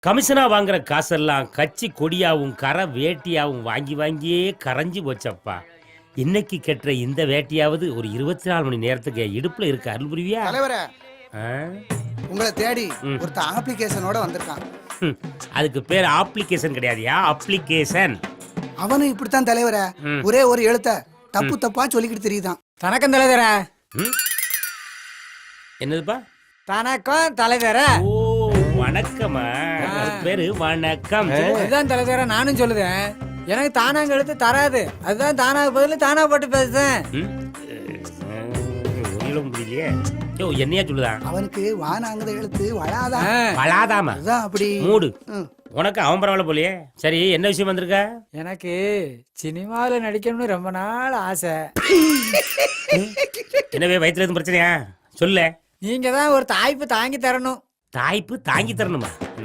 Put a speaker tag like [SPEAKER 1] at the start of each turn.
[SPEAKER 1] கமிஷனா வாங்குற காசெல்லாம் கட்சி கொடியாவும் கரை வேட்டியாவும் வாங்கி வாங்கியே கரைஞ்சு போச்சப்பா. இன்னைக்கு கெட்டுற இந்த வேட்டியாவது ஒரு 24 மணி நேரத்துக்கு இடுப்புல இருக்க அருள் புரிவியா?
[SPEAKER 2] தலைவரே,
[SPEAKER 1] ஆ?
[SPEAKER 2] உங்களை தேடி ஒருத்த அப்ளிகேஷனோட வந்திருக்கான்.
[SPEAKER 1] அதுக்கு பேர் அப்ளிகேஷன் கிடையாதுயா, அப்ளிகேஷன்.
[SPEAKER 2] அவனும் இப்படித்தான் தலைவரே, ஒரே ஒரு எழுத்த தப்பு தப்பா சொல்லிக்கிட்டு தெரியுதான்.
[SPEAKER 3] தனக்கும் தலைவர.
[SPEAKER 1] என்னதுப்பா?
[SPEAKER 3] தனக்கும் தலைவர.
[SPEAKER 1] ஓ வணக்கமா, பேரு வணக்கம்.
[SPEAKER 3] அதுதான் தலைவர நானும் சொல்லுதேன். எனக்கு தானாங்க எழுத்து தராது, அதுதான் தானாக பதில் தானா போட்டு பேசுறேன்.
[SPEAKER 1] முடியலையே. யோ என்னையா சொல்லுதா?
[SPEAKER 2] அவனுக்கு வானாங்கத எழுத்து வளாதான்.
[SPEAKER 1] வளாதாமா?
[SPEAKER 2] அதான் அப்படி.
[SPEAKER 1] மூடு. உனக்கு அவன் பரவாயில்ல போலியே. சரி, என்ன விஷயம் வந்திருக்க?
[SPEAKER 3] எனக்கு சினிமாவில் நடிக்கணும்னு ரொம்ப நாள் ஆசை.
[SPEAKER 1] என்னவே வயிற்றுல எதுவும் பிரச்சனையா? சொல்ல.
[SPEAKER 3] நீங்க தான் ஒரு தாய்ப்பு தாங்கி தரணும்.
[SPEAKER 1] தாய்ப்பு தாங்கி தரணுமா?